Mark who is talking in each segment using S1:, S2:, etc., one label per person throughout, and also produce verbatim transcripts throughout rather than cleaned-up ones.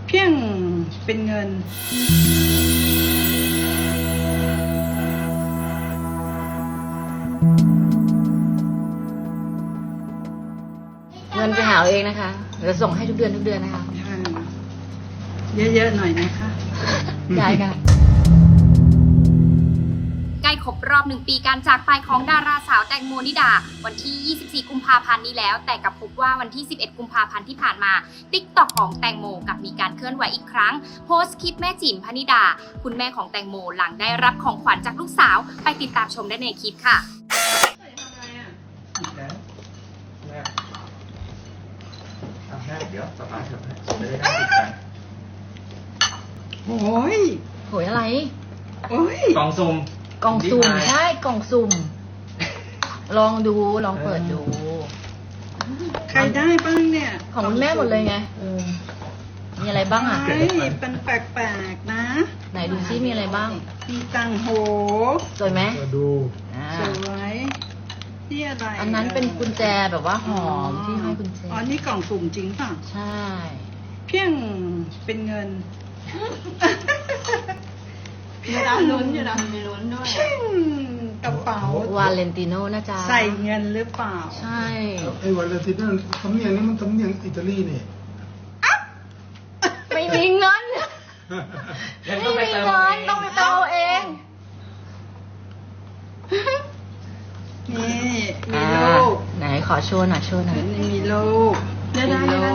S1: เพียงเป็นเงิน
S2: เงินไปหาเอาเองนะคะเดี๋ยวส่งให้ทุกเดือนทุกเดือนนะคะ
S1: เยอะๆหน่อยนะคะ
S2: ได้ค่ะ
S3: ใกล้ครบรอบหนึ่งปีการจากไปของดาราสาวแตงโมนิดาวันที่ยี่สิบสี่กุมภาพันธ์นี้แล้วแต่กับพบว่าวันที่สิบเอ็ดกุมภาพันธ์ที่ผ่านมา ติ๊กต็อก ของแตงโมกับมีการเคลื่อนไหวอีกครั้งโพสต์คลิปแม่จิ๋มพนิดาคุณแม่ของแตงโมหลังได้รับของขวัญจากลูกสาวไปติดตามชมได้ในคลิปค่ะ
S4: เดี๋ยวสตาร์ทเถอะจะได้นั่งติดกัน
S1: โอ้ย
S2: โหยอะไร
S1: โอ้ย
S4: กล่องซุ่ม
S2: กล่องสุ่มใช่กล่องสุ่มลองดูลองเปิดดู
S1: ใครได้บ้างเนี่ย
S2: ของคุณแม่หมดเลยไงมีอะไรบ้างอ่ะ
S1: เป็นแปลกๆนะ
S2: ไหนดูซิมีอะไรบ้าง
S1: มีตังโห
S2: สวยไหม
S4: ดู
S1: สวยที่อะไร
S2: อันนั้นเป็นกุญแจแบบว่าหอมที่ให้กุญแจ
S1: อ๋อนี่กล่องสุ่มจริงป่ะ
S2: ใช่
S1: เพียงเป็นเงินมีร้านลุ้นอยู่นะมีลุ้นด้วยกระเป๋าว
S2: าเลนติโน่นะจ๊ะ
S1: ใส่เงินหรือเปล่า
S2: ใช่
S5: ไอ้วาเลนติโน่สำเนียงนี่มันสำเนียงอิตาลีนี่
S2: ไม่มีเงินไม่มีเงินต้องไปเติมเอง
S1: นี่มีลูก
S2: ไหนขอโชว์หน่อยโชว์หน่อย
S1: มีลูกได้ได้ได้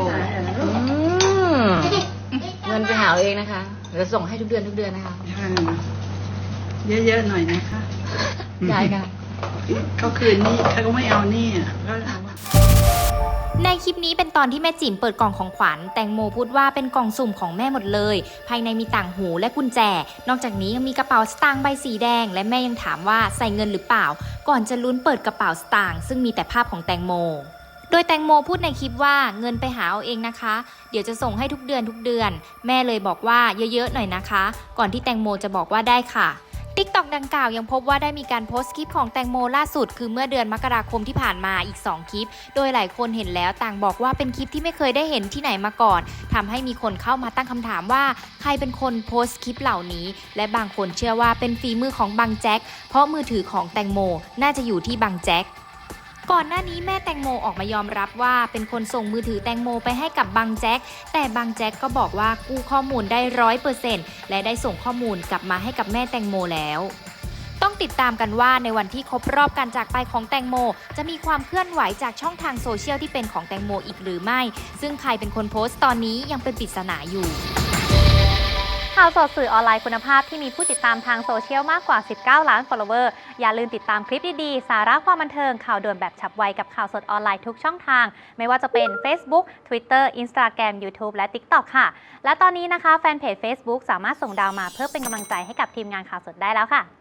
S2: เงินไปหาเอาเองนะคะเดี๋ยวส่งให้ทุกเดือนทุกเดือนนะคะ
S1: เยอะๆหน่อยนะคะ
S2: ได้ค่ะ
S1: เขาคืนนี่เขาก็ไม่เอานี่อ่ะก็เอา
S3: ในคลิปนี้เป็นตอนที่แม่จิ๋มเปิดกล่องของขวัญแตงโมพูดว่าเป็นกล่องสุ่มของแม่หมดเลยภายในมีต่างหูและกุญแจนอกจากนี้ยังมีกระเป๋าสตางค์ใบสีแดงและแม่ยังถามว่าใส่เงินหรือเปล่าก่อนจะลุ้นเปิดกระเป๋าสตางค์ซึ่งมีแต่ภาพของแตงโมโดยแตงโมพูดในคลิปว่าเงินไปหาเอาเองนะคะเดี๋ยวจะส่งให้ทุกเดือนทุกเดือนแม่เลยบอกว่าเยอะๆหน่อยนะคะก่อนที่แตงโมจะบอกว่าได้ค่ะติ๊กต็อก ดังกล่าวยังพบว่าได้มีการโพสต์คลิปของแตงโมล่าสุดคือเมื่อเดือนมกราคมที่ผ่านมาอีกสองคลิปโดยหลายคนเห็นแล้วต่างบอกว่าเป็นคลิปที่ไม่เคยได้เห็นที่ไหนมาก่อนทำให้มีคนเข้ามาตั้งคำถามว่าใครเป็นคนโพสต์คลิปเหล่านี้และบางคนเชื่อว่าเป็นฝีมือของบังแจ็คเพราะมือถือของแตงโมน่าจะอยู่ที่บังแจ็คก่อนหน้านี้แม่แตงโมออกมายอมรับว่าเป็นคนส่งมือถือแตงโมไปให้กับบังแจ็คแต่บังแจ็คก็บอกว่ากู้ข้อมูลได้ร้อยเปอร์เซ็นต์และได้ส่งข้อมูลกลับมาให้กับแม่แตงโมแล้วต้องติดตามกันว่าในวันที่ครบรอบการจากไปของแตงโมจะมีความเคลื่อนไหวจากช่องทางโซเชียลที่เป็นของแตงโมอีกหรือไม่ซึ่งใครเป็นคนโพสต์ตอนนี้ยังเป็นปริศนาอยู่
S6: ข่าวสดสื่อออนไลน์คุณภาพที่มีผู้ติดตามทางโซเชียลมากกว่าสิบเก้าล้าน follower อย่าลืมติดตามคลิปดีๆสาระความบันเทิงข่าวด่วนแบบฉับไวกับข่าวสดออนไลน์ทุกช่องทางไม่ว่าจะเป็น Facebook Twitter Instagram YouTube และ ติ๊กต็อก ค่ะและตอนนี้นะคะแฟนเพจ Facebook สามารถส่งดาวมาเพื่อเป็นกำลังใจให้กับทีมงานข่าวสดได้แล้วค่ะ